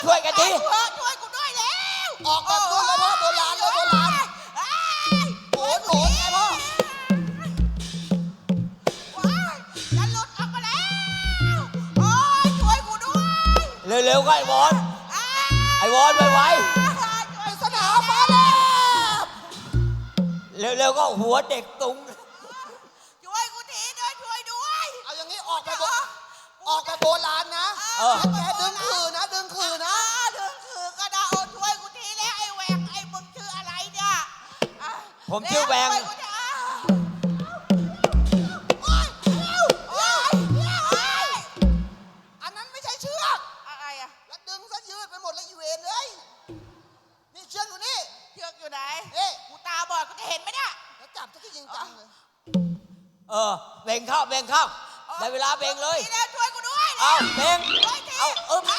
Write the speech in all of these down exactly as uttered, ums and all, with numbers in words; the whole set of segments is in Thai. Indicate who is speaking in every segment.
Speaker 1: ช่วยกันที
Speaker 2: ช่วยช่วยกูด้วยแล้ว
Speaker 3: ออกแบบนู้นเลยพ่อโบราณเลยโบราณโหนโหนไงพ่อ
Speaker 2: ว้ายจะหลุดออกมาแล้วโอ้ยช่วยกูด้วย
Speaker 1: เร็วๆก็ไอ้วอน
Speaker 2: อ้า
Speaker 1: ไอ้วอนไว
Speaker 2: ช่วย
Speaker 3: สนามฟ้าแลบ
Speaker 1: ๆเร็วๆก็หัวเด็กตุง
Speaker 2: ช่วยกูทีด้วยช่วยด้วย
Speaker 3: เอาอย่างนี้ออกแบบโบออกแบบโบราณนะ
Speaker 1: เออ
Speaker 3: แกดึงคือนะดึงคือนะ
Speaker 2: อ่าดึงคือก็ได้โอ้ช่วยกูทีแล้วไอ้แหวงไอ้มึงชื่ออะไรเนี่ยอ่ะ
Speaker 1: ผมชื่อแหวง
Speaker 2: ช่ยกูทีอ่ะโอ๊ยเร็วโอ๊ยโอ๊ย
Speaker 3: อันนั้นไม่ใช่เชือก
Speaker 2: อะไรอะ
Speaker 3: แล้วดึงซะยืดไปหมดแล้วอีเวนเลยนี่เชือกอยู่นี่
Speaker 2: เชือกอยู่ไหน
Speaker 3: เอ๊ะ
Speaker 2: กูตาบอดกูจะเห็นไหมเนี่ย
Speaker 3: แล้วจับซะที่จริงจังเลย
Speaker 1: เออเบ่งเข้าเบ่งเข้าได้เวลาเบ่งเลย
Speaker 2: ทีแล้วช่วยกูด้วย
Speaker 1: เอาเบ่ง
Speaker 2: ช่วยที
Speaker 1: เอาอึ๊บ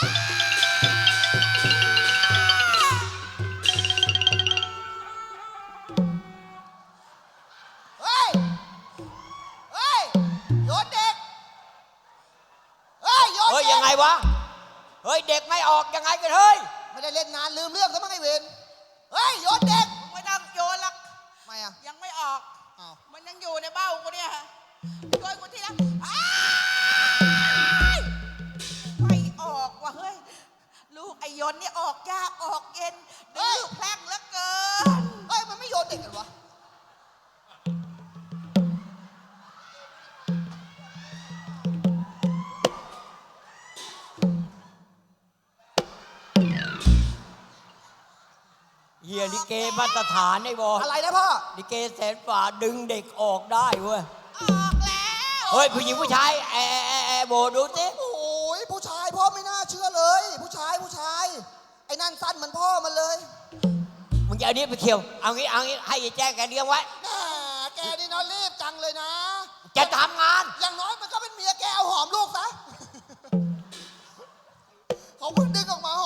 Speaker 3: เฮ้ยเฮ้ยโยนเด็กเฮ้ยโยน
Speaker 1: เฮ้ย
Speaker 3: เด็
Speaker 1: ยัง
Speaker 3: ก
Speaker 1: ไงวะเฮ้ยเด็กไม่ออกยังไงกันเฮ้ย
Speaker 3: ไม่ได้เล่นนานลืมเรื่องซะมั้งไอ้เวนเฮ้ยโยนเด็ก
Speaker 2: มึงไม่ต้องโยนหรอก
Speaker 3: ไม่อะ
Speaker 2: ยังไม่ออก
Speaker 3: อ้าว
Speaker 2: มันยังอยู่ในเบ้ากูเนี่ยช่วยกูทีละอ้ายไม่ออกว่ะเฮ้ย ลูกไอยนนี่ออกยากออกเย็นดื้อแพร่งเหลือเกิน
Speaker 3: เฮ้ยมันไม่โยนเด็กกันวะ
Speaker 1: เฮียลิเกมาตรฐานไอ้บอ
Speaker 3: อะไรนะพ่อ
Speaker 1: ลิเกแสนฝ่าดึงเด็กออกได้เว้ย
Speaker 2: ออกแล้ว
Speaker 1: เฮ้ยผู้หญิงผู้ชายแอแอแอแอโบดูสิ
Speaker 3: โอ้ยผู้ชายพ่อไม่น่าเชื่อเลย ผู้ชายผู้ชายไอ้นั่นสั้นเหมือนพ่อมันเลย
Speaker 1: มึงจะเอานี้ไปเคี่ยวเอางี้เอางี้ให้ยายแจ้งแกเลี้ยงไว้
Speaker 3: แหมแกนี่เนอนรีบจังเลยนะ
Speaker 1: จะทำงาน
Speaker 3: อย่างน้อยมันก็เป็นเมียแกเอาหอมลูกซะเขาเพิ่งดึงออกมาห